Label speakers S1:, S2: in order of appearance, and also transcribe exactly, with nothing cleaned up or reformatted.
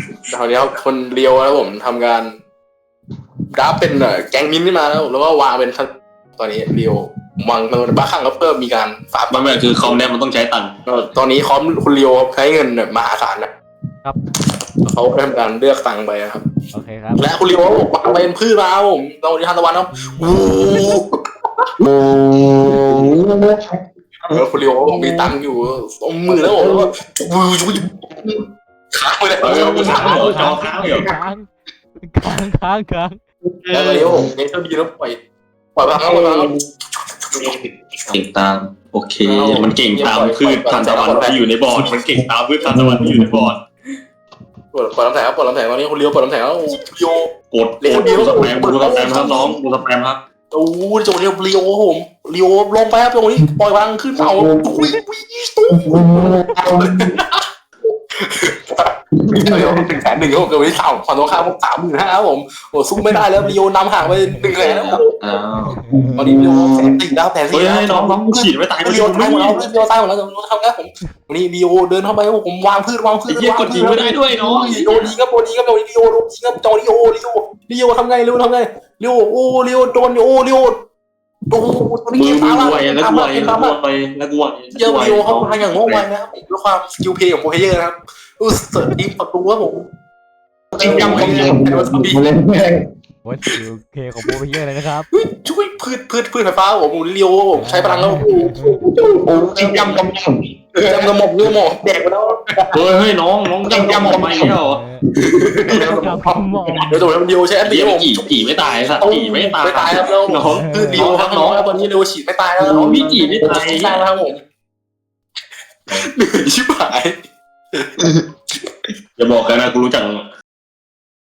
S1: คราวนี้คนเลียวแล้วผมทำการกราฟเป็นแกงมินขึ้นมาแล้วแล้วก็วางเป็นตอนนี้เลียววางมันบ้าคลั่งแล้วเพิ่มมีการฝาก
S2: ไม่ไม่คือคอมเนี่ยมันต้องใช้ตังค์
S1: ตอนนี้คอมคุณเลียวใช้เงินมหาศาลนะครับ เขาทำการเลือกตังค์ไปครับ
S3: โอเคครับ
S1: และคุณเลียววางไปเป็นพืชมาครับผมตอนนี้ทานตะวันครับโอ้แล้วคุณเลียวมีตังค์อยู่ตรงมือแล้วผมแล้วก็วูยูค้างไปเลย
S2: เออค้างเหรอจอค้างเหรอ
S3: ค้างค้างค้างค้าง
S1: แล้วตอนนี้ผมเน้นเท่าดีแล้วปล่อยปล่อยพลังแล้วปล่อยพลังแล้ว
S2: เก่งตามโอเค มันเก่งตามพืชทานตะวันที่อยู่ในบอร์ดมันเก่งตามพืชทานตะวันที่อยู่ในบอร์ด
S1: ปล่อยน้ำแข็งครับปล่อยน้ำแข็งตอนนี้คุณเลียวปล่อยน้ำแข็งแล้วเลียว
S2: กดกดดูสแปมดูสแปมครับน้องดูสแปมครับ
S1: โอ้ยจังหวะนี้เลียวผมเลียวลงไปครับจังหวะนี้ปล่อยพลังขึ้นเสาตุ้ยตุ้ยตุ้ยถึงแสนหนึ่งครับเกิดวันที่สามฝั่งตรงข้ามผมสามหมื่นห้าครับผมโอ้สู้ไม่ได้แล้วเลียวนำห่างไปหนึ่งแสนแล้ว
S2: อ้าว
S1: ตอนนี้เลียวแสนสี่แล้วแสน
S2: เฮ้
S1: สี่
S2: ย
S1: แล้ว
S2: น้องน้องฉีดไม่ตาย
S1: เลียวตายหมดแล้วเลียวตายหมดแล้วจะทำไงผมวันนี้เลียวเดินเข้าไปผมวางพืชวางพืช
S2: ไอ้เหี้ยกดยิงไม่ได้ด้วยน้อง
S1: โดนยิงครับโดนยิงครับโดนยิงโดนยิงครับจอริโอริโอริโอทำไงเร็วทำไงเร็วโอ้เร็วโดนโอ้เร็วโอ้ตอนนี้
S2: มือ
S1: เกม
S2: มื
S1: ตาม
S2: อ
S1: มา
S2: ไว
S1: เกม
S2: แล้ว
S1: ตาม
S2: กูไว
S1: มาเกม
S2: แล้
S1: ตาว ม
S2: กู
S1: มา
S2: ไวแล้วกูไว
S1: เยอะวิโอเขาทำอย่างง่วงไวนะครับด้วยความสกิลเพย์ของโปรเพเยอร์นะครับอู้เสิร์ฟทีมประตูครับผมจริงจังของเกมเป็นวัสดุ
S3: วัดคิวเคของโปรเพเยอร์เลยนะครับ
S1: ช่วยพืชพืชพืชไฟฟ้าผมเลียวผมใช้พลังแล้วโอ้จริงจังกับผมจำกระหม่อมเนื้อหมอกแดกไปแล้ว
S2: เฮ้ยเฮ้ยน้องน้องยำยำทำไมเนี่ยหรอ
S3: จับหมอ
S1: เดี๋ยวตัวเลียวใช้แอน
S2: เดี๋
S1: ตี้
S2: ยว
S1: ผม
S2: จีจีไม่ตายสัตว์จีไม่ตาย
S1: ไม่ตายครับแล้ว
S2: น้อง
S1: คือเลียวครับน้องตอนนี้เลียวฉีดไม่ตายแล้ว
S2: น้องพี่จีไม่ตาย
S1: ตายแล้วครับผมเหนื่อยชิบหาย
S2: อย่าบอกกันนะกูรู้จัก